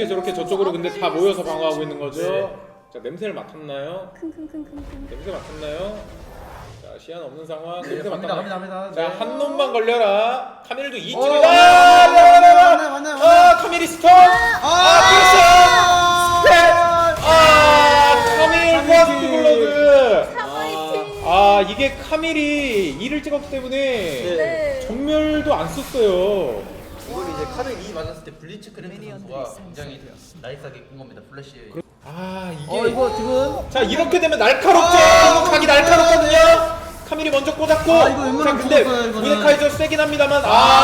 저렇게 저쪽으로 근데 다 모여서 방어하고 있는 거죠. 자, 냄새를 맡았나요? 냄새 맡았나요? 자, 시야는 없는 상황. 냄새 맡았나요? 갑니다. 자, 한 놈만 걸려라. 카밀도 이 오, 쪽이다. 맞네. 카밀이 스톱. 카밀 퍼스트 블러드. 이게 카밀이 2를 찍었기 때문에 네. 전멸도 안 썼어요. 이걸 이제 카밀 2 맞았을 때 블리츠 크래프 선수가 굉장히 나이스하게 꾼 겁니다. 플래시. 이게 이거 지금 자, 이렇게 되면 날카롭지. 이거 각이 날카롭거든요. 카밀이 먼저 꽂았고. 이거 자, 웬만하면 근데 죽었어요, 이거는. 무네카이저 세긴 합니다만.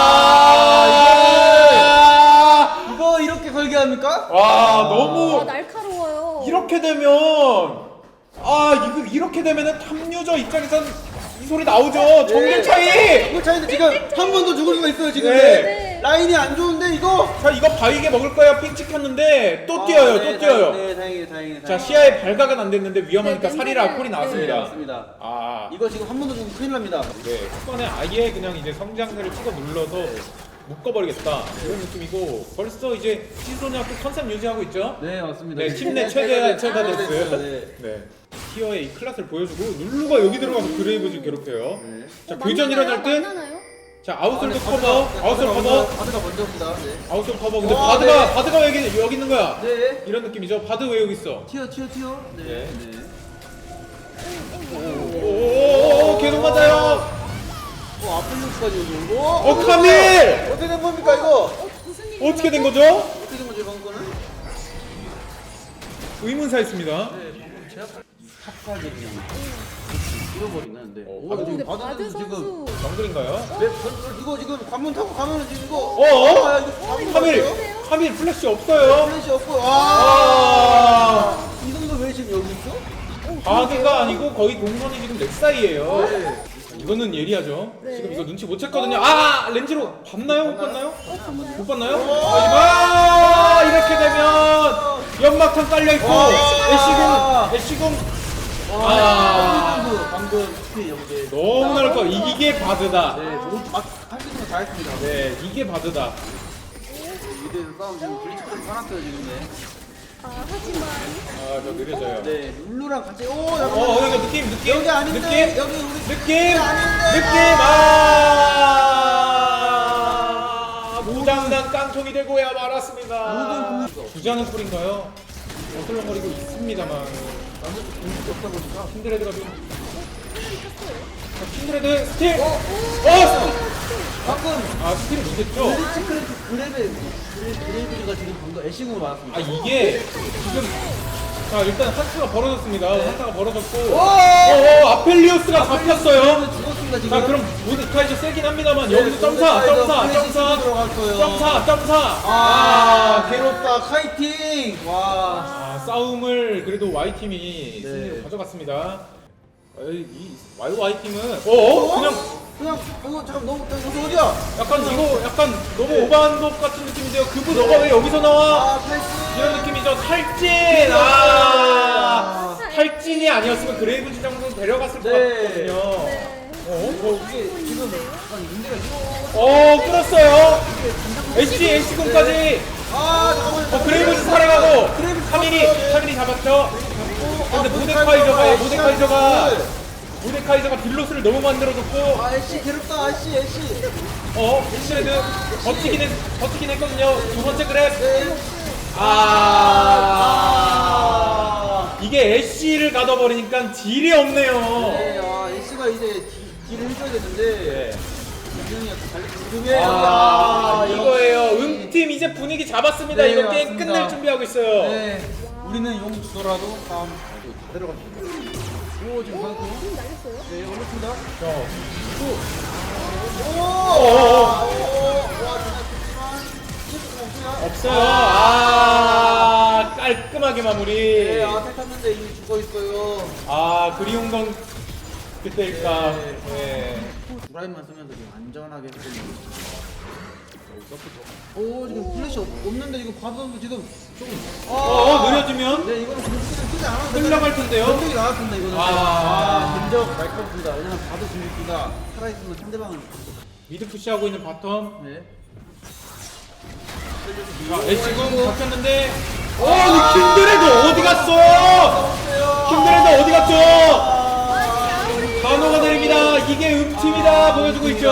이거 이렇게 걸게 합니까? 너무 날카로워요. 이렇게 되면 이렇게 되면은 탑유저 입장에선 이 소리 나오죠. 정글 차이. 정글 차이는 지금 한 번 더 죽을 수가 있어요 지금. 네. 라인이 안 좋은데 이거. 자, 이거 바위게 먹을 거야. 핑 찍혔는데 또 뛰어요. 또 뛰어요. 네, 다행이다. 자, 시야에 발각은 안 됐는데 위험하니까 네, 살이라 콜이 네, 나왔습니다. 맞습니다. 아, 이거 지금 한 번 더 죽으면 큰일 납니다. 네, 초반에 아예 그냥 이제 성장세를 찍어 눌러서 묶어버리겠다 이런 느낌이고, 벌써 이제 시소냐고 컨셉 유지하고 있죠. 네, 맞습니다. 네, 팀 내 최다 됐어요. 네. 네, 티어의 이 클래스를 보여주고 룰루가 여기 들어가서 그레이브즈 괴롭혀요. 네. 자, 교전 일어날 때, 만나나요? 자, 아웃솔도 커버, 아웃솔 커버, 바드가 먼저입니다. 네. 아웃솔 커버. 근데 와, 바드가 왜 여기 있는 거야? 네. 이런 느낌이죠. 바드 왜 여기 있어? 튀어. 네. 네. 네. 오, 계속 맞아요. 아플루스까지 오고. 카밀! 어떻게 된 겁니까 이거? 무슨 일이 어떻게 된 거죠? 어떻게 된 거죠 이번 거는? 의문사였습니다. 네, 방금 제압 탑까지 그냥 잃어버리는. 네. 바드 근데 지금 바드 선수 정글인가요? 네, 이거 지금 관문 타고 가면은 지금 이거. 이거 카밀 플래시 없어요. 플래시 없고. 이 정도 왜 지금 여기 있죠? 바드가 아니고 거의 동선이 지금 렉 사이에요. 네. 이거는 예리하죠. 네. 지금 이거 눈치 못 챘거든요. 렌즈로 봤나요? 못 봤나요? 못 봤나요? 이렇게 되면 연막탄 깔려 있고 애쉬궁. 방금 스피 연계. 너무 나올 거. 이게 바드다. 네, 할수 있는 거 다 했습니다. 네, 이게 바드다. 미드에서 싸움 지금 블리츠까지 사놨어요 지금. 네. 하지만 저 느려져요. 네, 룰루랑 같이. 오, 이거 느낌. 여기 아닌데. 느낌. 여기 우리 느낌. 무장난 깡통이 되고야 말았습니다. 주자는 꿀인가요? 어슬렁거리고 있습니다만. 완전 공격이 없다 보니까. 킨드레드가 좀. 킨드레드 스틸. 방금 스틸을 못했죠. 블리츠 그레이브가 지금 방금 애쉬궁을 맞았습니다. 이게 지금. 자, 일단 한타가 벌어졌습니다. 한타가 벌어졌고. 아펠리오스가 잡혔어요. 죽었습니다 지금. 자, 그럼 모드카이저 세긴 합니다만 여기서 점사. 괴롭다 카이팅. 와. 싸움을 그래도 Y팀이 네. 승리로 가져갔습니다. 이 Y팀은 그냥 이거 잠깐 너무 어디야? 약간 너무 오버한 것 같은 느낌인데요. 그분 너가 왜 여기서 나와? 탈진. 이런 느낌이죠. 탈진. 탈진이 아니었으면 그레이브즈 정도 데려갔을 것 네. 같거든요. 이게 지금 약간 문제가 있어. 끌었어요. 애쉬군까지. 잠깐만. 그레이브즈 살아가고 카밀이 잡았죠. 근데 모데카이저가 딜로스를 너무 만들어줬고. 애쉬 괴롭다. 애쉬. 엑스레드 버티긴 했거든요. 두 번째 그랩. 이게 애쉬를 가둬버리니까 딜이 없네요. 네, 애쉬가 이제 딜을 해줘야겠는데. 이거예요. 팀 이제 분위기 잡았습니다. 네, 이거 게임 맞습니다. 끝낼 준비하고 있어요. 네, 우리는 용 주더라도 다음 다 데려갑니다. 오, 지금 방금. 날렸어요? 네, 올렸습니다. 없어요. 깔끔하게 마무리. 네, 탔는데 이미 죽어 있어요. 그리운 건 그때일까. 네. 드라이브만 쓰면서 좀 안전하게 했거든요. 오, 지금 플래시 없는데 지금 과도도 지금 좀. 느려지면 네, 이거는 지금 쓰지 않아도 흘러갈 텐데요. 전적이 나왔습니다 이거는. 근적 날카롭습니다. 왜냐면 봐도 중립기가 살아있으면 상대방은. 미드 푸시하고 있는 바텀. 네. 자, 애쉬궁 잡혔는데 킨드레드 어디 갔어? 킨드레드 어디 갔죠? 간호가 내립니다. 이게 음팀이다 보여주고 있죠.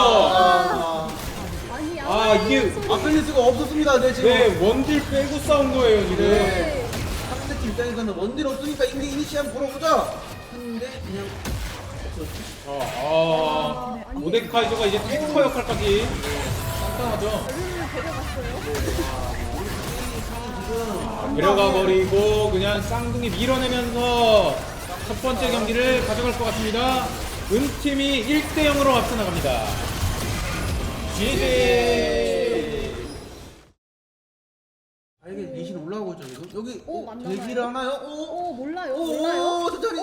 아니 이게 아펠리스가 없었습니다. 네 지금. 네 원딜 빼고 싸운 거예요 지금. 네. 상대팀 입장에서는 원딜 없으니까 이게 이니시한 보러 보자 했는데 그냥 모데카이저가 이제 탱커 역할까지 깜깜하죠. 데려가 버리고 그냥 쌍둥이 밀어내면서 첫 번째 경기를 가져갈 것 같습니다. 은팀이 1대 0으로 앞서 나갑니다. GG. 이게 리신 올라오고 있죠 지금. 여기 맞나 대기를 봐요. 하나요? 몰라요. 오 천천히.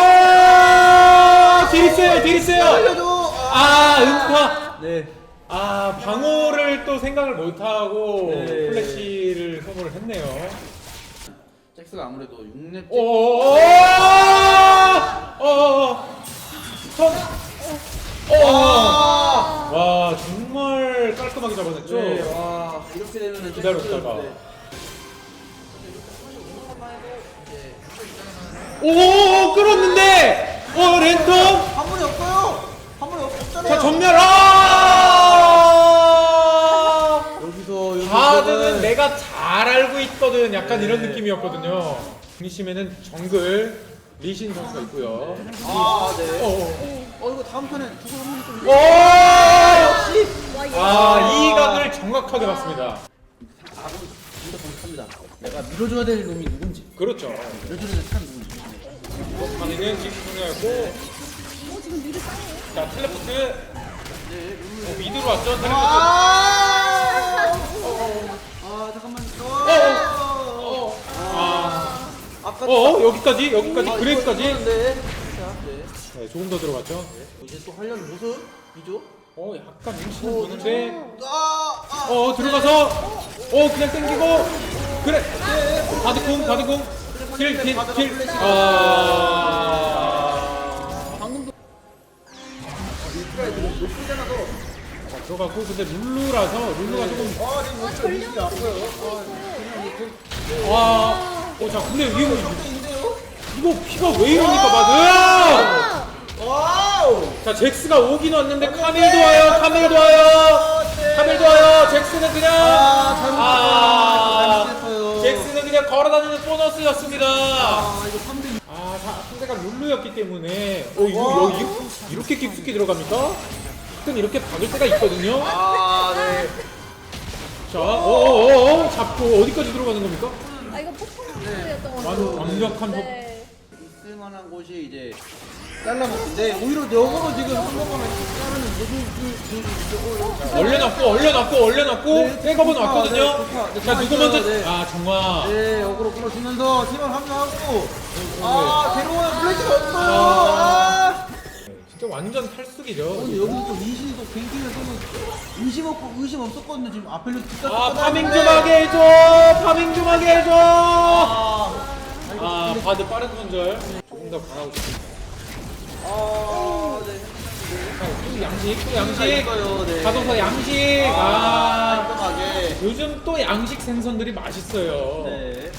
딜 있어요. 알려줘. 음파. 네. 방어를 또 생각을 못하고 네. 플래시를 소모를 했네요. 잭스가 아무래도 6렙. 와 정말 깔끔하게 잡아냈죠. 네, 와 이렇게 되면은 기다렸다가. 네. 끌었는데 랜턴. 한 번이 없어요. 한 번이 없잖아요. 자 전멸. 여기서 바드는 내가 잘 알고 있거든. 약간 이런 느낌이었거든요. 중심에는 정글 리신 선수가 있고요. 네. 이거 다음 판에 두고 한번 좀. 역시. 와, 이 각을 정확하게 봤습니다. 아군 진짜 정확합니다. 내가 밀어줘야 될 놈이 누군지, 그렇죠. 밀어줘야 될 사람 누군지. 이번 판에는 지금이었고, 지금 미드 싸워요. 자 텔레포트. 미드로 왔죠. 텔레포트. 잠깐만. 아까 여기까지 그레이브까지. 네. 네, 조금 더 들어갔죠. 이제 또 하려는 모습이죠. 약간 눈치는 보는데. 아. 들어가서 그냥 땡기고 그래. 바드궁 킬. 방금도 들어가고 근데 룰루가 조금 전력이 아파요. 자 근데 이거 피가 왜 이러니까 바드. 와우. 자 잭스가 오긴 왔는데 카밀도 와요. 잭스는 그냥 잘못했어요. 잭스는 그냥 걸어다니는 보너스였습니다. 이거 3대 상대가 룰루였기 때문에 이거 이렇게 깊숙이 들어갑니까? 가끔 이렇게 박을 때가 있거든요. 네. 자, 잡고 어디까지 들어가는 겁니까? 이거 퍼포먼스였던 것 같아요. 완벽한 네. 있을 만한 곳이 이제 잘라먹는데 오히려 역으로 지금 한 번만 얼려놨고 백업은 왔거든요. 네, 자 누구 먼저? 네. 정화. 네, 역으로 끌어주면서 팀을 합류하고 데려오는 플래시가 없어요. 진짜 완전 탈수기죠. 근데 여기 또 리신도 갱킹에서는 의심 없었거든요. 지금 아펠로 파밍 좀 하게 해줘. 바드 빠른 손절. 조금 더 강하고 싶습니다. 또 양식. 네. 가둬서 양식. 깔끔하게. 요즘 또 양식 생선들이 맛있어요. 네.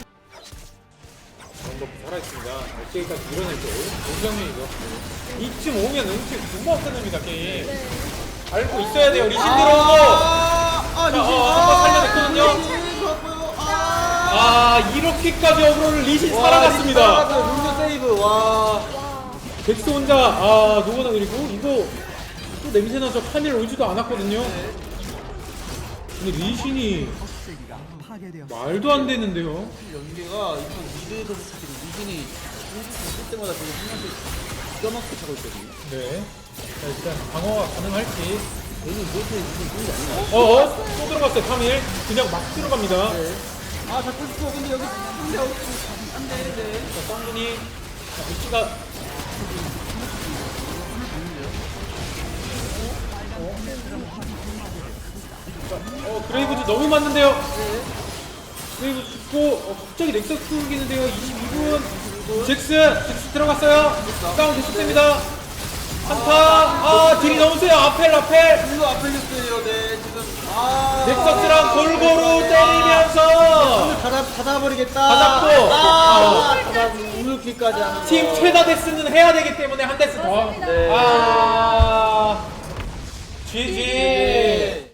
정도 살아있습니다. 어깨까지 밀어낼 때 공정면이죠. 이쯤 오면 은퇴 금방 끝납니다 게임. 알고 있어야 돼요. 리신 들어오고. 한번 살려냈거든요. 이렇게까지 어그로를 리신 살아갔습니다. 룰루 세이브. 와. 덱스 혼자 노고나 그리고 이거 또 냄새나서 카밀 오지도 않았거든요. 근데 리신이 말도 안 되는데요. 연계가 이번 미드에서 지금 리신이 쓸 때마다 지금 한 명씩 기가 막히게 차고 있거든요. 네. 자, 일단 방어가 가능할지. 얘는 이렇게 리신 좋은 게 아니야. 또 들어갔어요. 카밀 그냥 막 들어갑니다. 네. 잡고 싶어. 근데 여기 안 돼. 자, 쌍둥이. 위치가 그레이브즈 너무 맞는데요. 그레이브즈 죽고 갑자기 넥서스 끊기는데요. 22분 잭스 들어갔어요. 싸움 계속됩니다. 한타 딜이 너무 세요. 아펠 룰루 아펠리스예요. 네, 지금 넥서스랑 골고루 때리면서 닫아버리겠다. 닫았고. 우물키까지 하는 팀 최다 데스는 해야 되기 때문에 한 데스 더. 맞습니다. GG.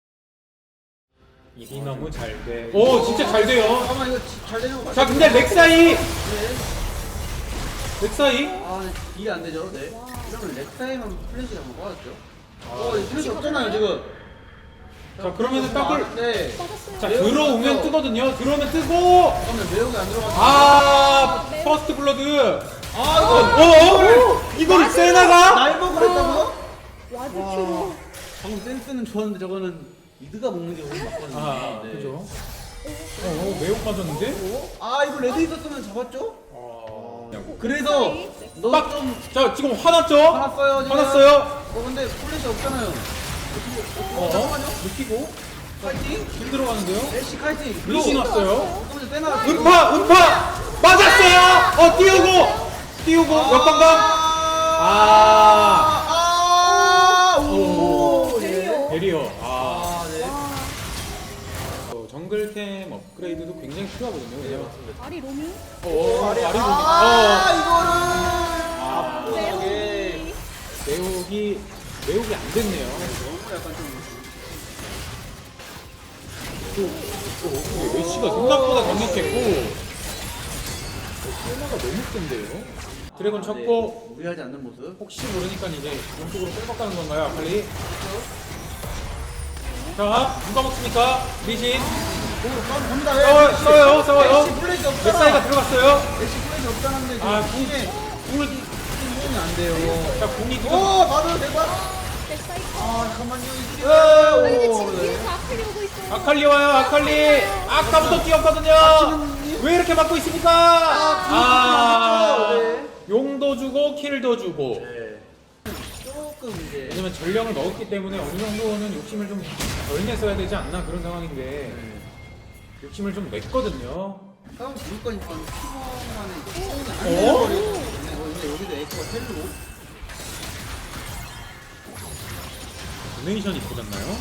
이게 너무 잘 돼. 오, 진짜 잘 돼요. 잠깐만 이거 잘 되는 거 맞아? 자, 근데 렉사이. 네. 렉사이. 네. 이해 안 되죠? 네. 그러면 렉사이만 플래시를 한번 빠졌죠? 이 플래시 없잖아요 지금. 자, 그러면은 더블. 네. 빠졌어요. 자, 들어오면 뜨거든요. 들어오면 뜨고. 그러면 매력이 안 들어가서. 퍼스트 블러드. 이거 이걸 세나가? 날먹을 했다고요? 와드 큐로. 방금 센스는 좋았는데 저거는 미드가 먹는 게 오늘 맞거든요. 네. 그죠. 매혹 맞았는데? 이거 레드 있었으면 잡았죠? 그냥 그래서 너 빡! 좀 자, 지금 화났죠? 화났어요 지금. 화났어요? 근데 플래시 없잖아요. 잠깐만요. 느끼고 파이팅. 힘 들어가는데요? 애쉬 카이팅. 리신 왔어요. 잠깐만요. 빼나. 음파! 맞았어요! 띄우고! 역방감! 오, 베리어. 베리어. 네. 정글템 업그레이드도 굉장히 필요하거든요. 왜냐면 아리 로미. 아래로 네. 매혹이 안 됐네요. 약간 좀. 메시가 생각보다 강력했고 세나가 너무 센데요. 드래곤 쳤고 무리하지 않는 모습. 혹시 모르니까 이제 왼쪽으로 빼박가는 건가요, 아칼리? 자, 누가 먹습니까? 리신 갑니다. 싸워요. 애쉬 플래시 없잖아. 넥사이가 들어갔어요. 애쉬 플래시 없다는데 궁을 공이 안 돼요. 자, 궁이 지금 받아도 대박. 넥사이. 잠깐만요. 근데 지금 뒤에서 아칼리 오고 있어요. 아칼리 와요, 아칼리. 아까부터 뛰었거든요. 왜 이렇게 막고 있습니까? 네. 용도 주고 킬도 주고. 조금 이제. 왜냐면 전령을 넣었기 때문에 어느 정도는 욕심을 좀 덜 냈어야 되지 않나 그런 상황인데 욕심을 좀 냈거든요. 싸움 부를 거니까 키워만에 어? 안 되는 근데 여기도 에이커가 텔로. 도네이션이 터졌나요?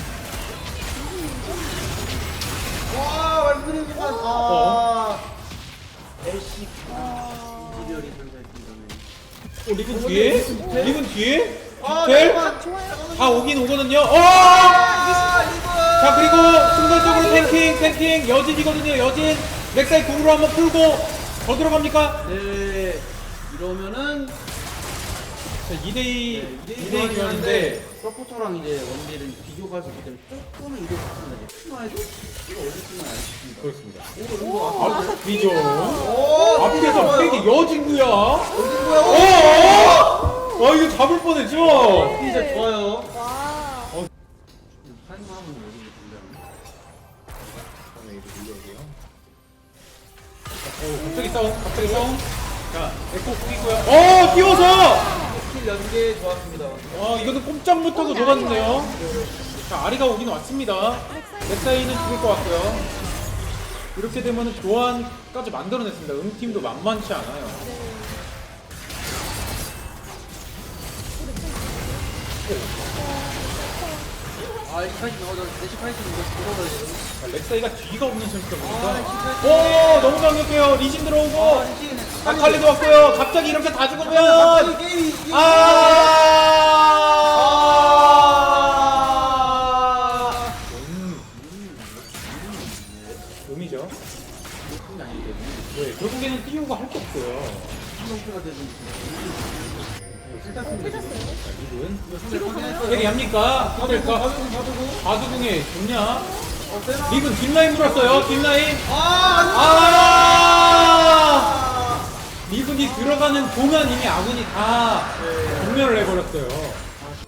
와 말씀드린 순간 애쉬 이지별이 선사했습니다. 리븐 뒤에? 리븐 뒤에? 아, 텔? 잠깐만. 좋아요. 다 오긴 오거든요. 이거. 자, 그리고 순간적으로 탱킹 여진이거든요. 여진 넥사이 궁으로 한번 풀고 더 들어갑니까? 네. 이러면은 자, 2대2 교환인데 교환인데 서포터랑 이제 원딜은 비교가 할수 있기 때문에 조금은 이득 받습니다. 추가해도 이거 어디 쓰면 알겠습니다. 그렇습니다. 이거 비죠. 오, 앞에서 팩이 여진구야. 어디 거야? 이거 잡을 뻔했죠? 진짜 좋아요. 와. 한마음은 여기 된다. 갑자기 싸움. 자, 에코 궁이고요. 띄워서! 킬 연계 좋았습니다. 이거는 꼼짝 못하고 녹았는데요. 자, 아리가 오긴 왔습니다. 넥사이는 죽을 것 같고요. 이렇게 되면 교환까지 만들어냈습니다. 응팀도 만만치 않아요. 에시카이트 나오죠. 에시카이트 이거 들어가야 돼요. 자, 렉사이가 뒤가 없는 선수다 보니까. 너무 강력해요. 리신 들어오고. 아칼리도 왔고요. 갑자기 이렇게 다 죽으면. 게임이 음이죠. 네, 결국에는 띄우고 할 게 없어요. 한동표가 되는 리븐 회개합니까? 될까? 바두궁에 좋냐? 리븐 뒷라인 물었어요. 뒷라인. 리븐이 들어가는 동안 이미 아군이 다 정면을 해버렸어요.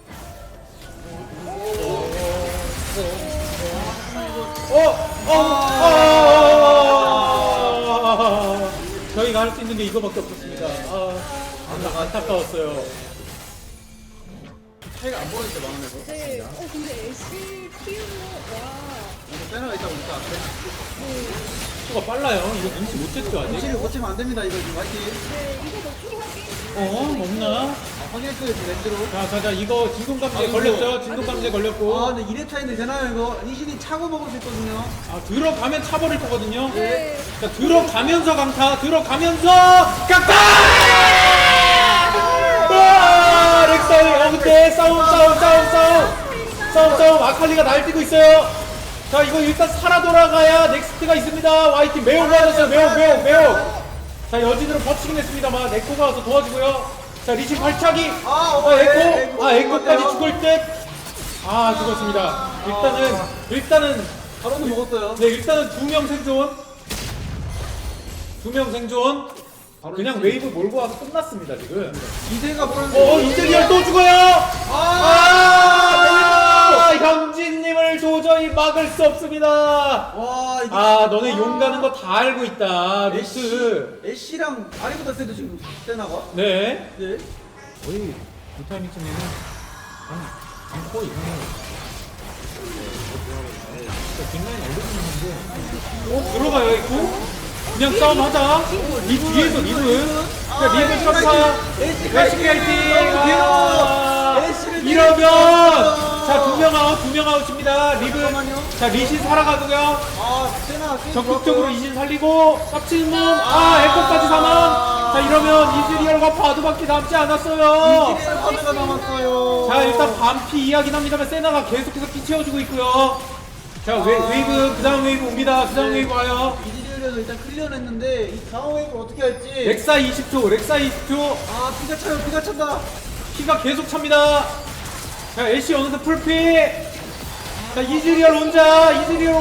저희가 할 수 있는 게 이거밖에 없었습니다. 안타까웠어요. 차이가 안 보였죠 마음에서. 네. 근데 애쉬 키우는 와. 세나가 있다 보니까 수가 빨라요. 이거 눈치 못 챘죠 아직? 눈치를 못 채면 안 됩니다 이거 지금 화이팅. 네, 이거 더 필요하게. 없나? 확인했어요, 지금 렌즈로. 자, 이거 진동감지에 걸렸죠? 진동감지에 걸렸고. 아, 근데 2렙차인데 되나요, 이거? 리신이 차고 먹을 수 있거든요. 아, 들어가면 차버릴 거거든요. 네. 자, 들어가면서 강타, 들어가면서 강타! 와, 렉사이, 근데 싸움. 아칼리가 날뛰고 있어요. 자, 이거 일단 살아 돌아가야 넥스트가 있습니다. YT 매우 맞았어요. 매우. 자, 여진으로 버티긴 했습니다만, 에코가 와서 도와주고요. 자, 리신 발차기. 에코까지 죽을 듯. 아, 죽었습니다. 일단은 바로는 먹었어요. 네, 일단은 2명 생존. 2명 생존. 그냥 웨이브 몰고 와서 끝났습니다, 지금. 이세가 보는 이즈리얼 또 죽어요! 현진님을 도저히 막을 수 없습니다. 와, 이게. 너네 용 가는 거 다 알고 있다, 루스. 애쉬랑 아리보다 세도 지금 세나가? 네. 네. 거의 그 타이밍쯤에는 거의 이상해요. 뒷라인 들어가요, 이거? 그냥 싸움하자. 이 뒤에서 리브. 리브 쳤다. 애쉬 파이팅. 이러면 자, 2명 아웃입니다. 리브. 자, 리신 살아가고요. 세나 적극적으로 이신 살리고 깝칠몸. 에코까지 사망. 자, 이러면 이즈리얼과 바드밖에 남지 않았어요. 이지리얼 바드가 남았어요. 자, 일단 반피 이야긴 합니다만 세나가 계속해서 피 채워주고 있고요. 자, 웨이브, 그 다음 웨이브 옵니다. 그 다음 웨이브 와요. 이지리얼에서 일단 클리어를 했는데 이 다음 웨이브를 어떻게 할지. 렉사 20초. 피가 차요, 피가 찬다. 피가 계속 찹니다. 자, 애쉬 어느새 풀피. 자, 이즈리얼 혼자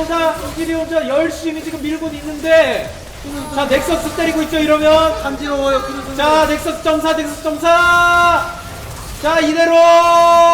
열심히 지금 밀고 있는데. 자, 넥서스 때리고 있죠, 이러면. 간지러워요, 그래서. 자, 넥서스 점사. 자, 이대로